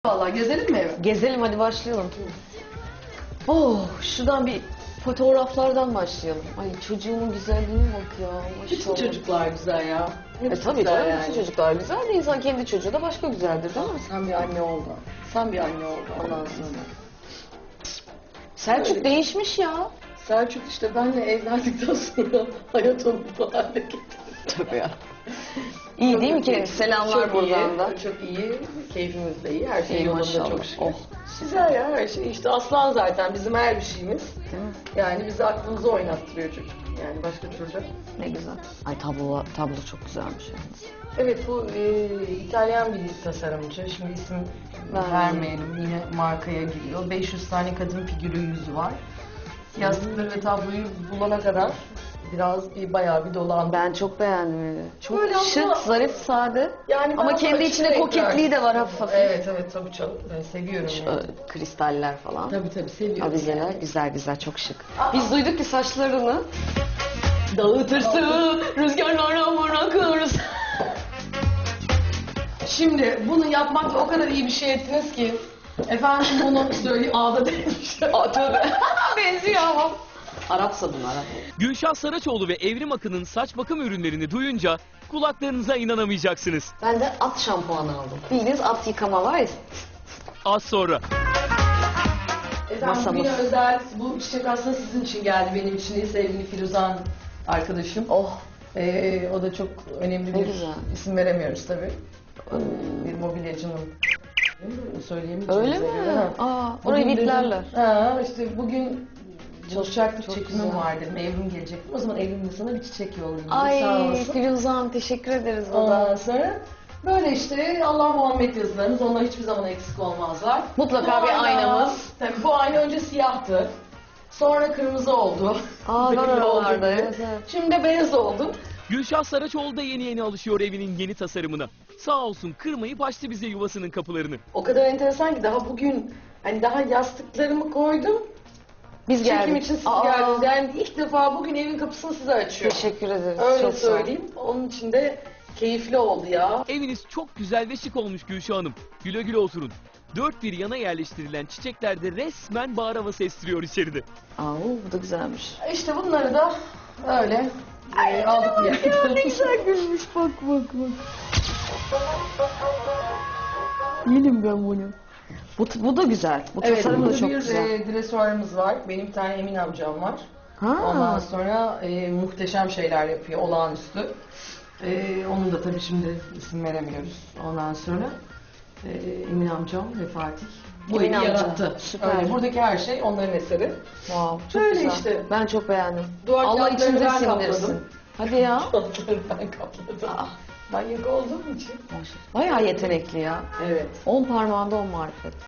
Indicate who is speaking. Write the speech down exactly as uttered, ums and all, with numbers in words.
Speaker 1: Vallahi gezelim mi eve?
Speaker 2: Gezelim, hadi başlayalım. Oh, şuradan bir fotoğraflardan başlayalım. Ay çocuğumun güzelliğine bak ya.
Speaker 1: Bütün
Speaker 2: Maşallah.
Speaker 1: çocuklar güzel ya.
Speaker 2: E
Speaker 1: Hepsi
Speaker 2: tabii
Speaker 1: güzel
Speaker 2: canım,
Speaker 1: yani.
Speaker 2: bütün çocuklar güzel de insan kendi çocuğu da başka güzeldir değil mi?
Speaker 1: Sen bir anne oldun. Sen bir anne oldun ondan sonra.
Speaker 2: Selçuk
Speaker 1: Öyle.
Speaker 2: değişmiş ya.
Speaker 1: Selçuk işte benle evlendikten sonra hayat onu bu hale getirdi.
Speaker 2: Tabii ya. İyi değil mi ki? Selamlar
Speaker 1: Çok
Speaker 2: buradan
Speaker 1: iyi,
Speaker 2: da.
Speaker 1: Çok iyi. Keyfimiz de iyi. Her şey
Speaker 2: İyi,
Speaker 1: yolunda
Speaker 2: maşallah.
Speaker 1: çok şükür.
Speaker 2: Oh.
Speaker 1: Güzel ya her şey. İşte aslan zaten bizim her bir şeyimiz.
Speaker 2: Değil mi?
Speaker 1: Yani bizi aklımızı oynattırıyor çocuk. Yani başka türlü.
Speaker 2: Ne güzel. Ay tablo, tablo çok güzelmiş yalnız.
Speaker 1: Evet bu e, İtalyan bir tasarımcı. Şimdi isim
Speaker 2: Vermeyelim.
Speaker 1: vermeyelim. Yine markaya giriyor. beş yüz tane kadın figürü yüzü var. Yastıkları ve tabloyu bulana kadar biraz bir bayağı bir dolandım.
Speaker 2: Ben çok beğendim evi. Çok
Speaker 1: Böyle
Speaker 2: şık,
Speaker 1: ama-
Speaker 2: zarif, sade.
Speaker 1: Yani
Speaker 2: Ama
Speaker 1: daha
Speaker 2: kendi
Speaker 1: açık
Speaker 2: içinde
Speaker 1: renkler.
Speaker 2: koketliği de var hafif hafif.
Speaker 1: Evet evet tabii çok ben seviyorum
Speaker 2: Şu,
Speaker 1: yani.
Speaker 2: e, kristaller falan.
Speaker 1: Tabii tabii seviyorum.
Speaker 2: Avizeler güzel güzel, çok şık.
Speaker 1: Aa.
Speaker 2: Biz duyduk ki saçlarını dağıtırsın, rüzgarlara bırakırsın.
Speaker 1: Şimdi bunu yapmakla o kadar iyi bir şey ettiniz ki efendim bunu söyleyeyim ağda demiş.
Speaker 2: Aa, tövbe. Benziyor ama. Arapsa bunlar. Arap.
Speaker 3: Gülşah Saraçoğlu ve Evrim Akın'ın saç bakım ürünlerini duyunca kulaklarınıza inanamayacaksınız.
Speaker 2: Ben de at şampuanı aldım. Bildiğiniz at yıkama var ya.
Speaker 3: Az sonra.
Speaker 1: Efendim
Speaker 2: Masamız.
Speaker 1: bugüne özel bu çiçek aslında sizin için geldi benim için değil sevgili Firuzan arkadaşım.
Speaker 2: Oh.
Speaker 1: Ee, o da çok önemli
Speaker 2: Ne
Speaker 1: bir
Speaker 2: güzel.
Speaker 1: isim veremiyoruz tabii. Bir mobilyacının. Söyleyemeyeceğim.
Speaker 2: Öyle mi? Aa, orayı
Speaker 1: Bugün dedim-
Speaker 2: biplerler.
Speaker 1: Ha, işte bugün çalışacaktık,
Speaker 2: çok
Speaker 1: çekimim
Speaker 2: güzel.
Speaker 1: var dedim. Evrim gelecektim. O zaman Evrim'le sana bir çiçek yollayayım. Sağ
Speaker 2: Ay
Speaker 1: olsun.
Speaker 2: Firuzan, teşekkür ederiz
Speaker 1: Ondan
Speaker 2: baba.
Speaker 1: sonra böyle işte Allah Muhammed yazılarımız. Onlar hiçbir zaman eksik olmazlar.
Speaker 2: Mutlaka
Speaker 1: Bu
Speaker 2: bir
Speaker 1: ayna-
Speaker 2: aynamız.
Speaker 1: Tabii bu ayna önce siyahtı. Sonra kırmızı oldu.
Speaker 2: Aa, var
Speaker 1: Belli oldu
Speaker 2: oralarda,
Speaker 1: gibi.
Speaker 2: evet, evet.
Speaker 1: Şimdi de beyaz oldu.
Speaker 3: Gülşah Saraçoğlu da yeni yeni alışıyor evinin yeni tasarımına. Sağ olsun kırmayıp açtı bize yuvasının kapılarını.
Speaker 1: O kadar enteresan ki daha bugün hani daha yastıklarımı koydum.
Speaker 2: Biz
Speaker 1: Çekim
Speaker 2: geldik.
Speaker 1: için siz
Speaker 2: Aa,
Speaker 1: geldiniz. Yani ilk defa bugün evin kapısını size açıyorum.
Speaker 2: Teşekkür ederiz.
Speaker 1: Öyle
Speaker 2: çok sağ ol.
Speaker 1: söyleyeyim. Onun için de keyifli oldu ya.
Speaker 3: Eviniz çok güzel ve şık olmuş Gülşah Hanım. Güle güle oturun. Dört bir yana yerleştirilen çiçekler de resmen bahar havası estiriyor içeride.
Speaker 2: Aa, bu da güzelmiş.
Speaker 1: İşte bunları da öyle e, aldık bir yerden.
Speaker 2: Ne güzel gülmüş, bak bak bak. Yedim ben bunu. Bu, bu da güzel. Bu
Speaker 1: Evet,
Speaker 2: tasarım da
Speaker 1: burada
Speaker 2: çok
Speaker 1: bir
Speaker 2: güzel.
Speaker 1: e, dresuarımız var. Benim bir tane Emin amcam var.
Speaker 2: Ha.
Speaker 1: Ondan sonra e, muhteşem şeyler yapıyor, olağanüstü. E, onun da tabii şimdi isim veremiyoruz. Ondan sonra e, Emin amcam ve Fatih bu
Speaker 2: Emin
Speaker 1: evi
Speaker 2: amca,
Speaker 1: yarattı.
Speaker 2: süper.
Speaker 1: Öyle, buradaki her şey onların eseri.
Speaker 2: Wow, çok
Speaker 1: Böyle
Speaker 2: güzel.
Speaker 1: işte.
Speaker 2: Ben çok beğendim.
Speaker 1: Duvar
Speaker 2: Allah
Speaker 1: kağıtlarını
Speaker 2: içinize
Speaker 1: ben
Speaker 2: sindirsin.
Speaker 1: kapladım.
Speaker 2: Hadi ya.
Speaker 1: Altları ben kapladım.
Speaker 2: Aa,
Speaker 1: Manyak olduğum için.
Speaker 2: bayağı yetenekli ya.
Speaker 1: Evet.
Speaker 2: On parmağında on marifet.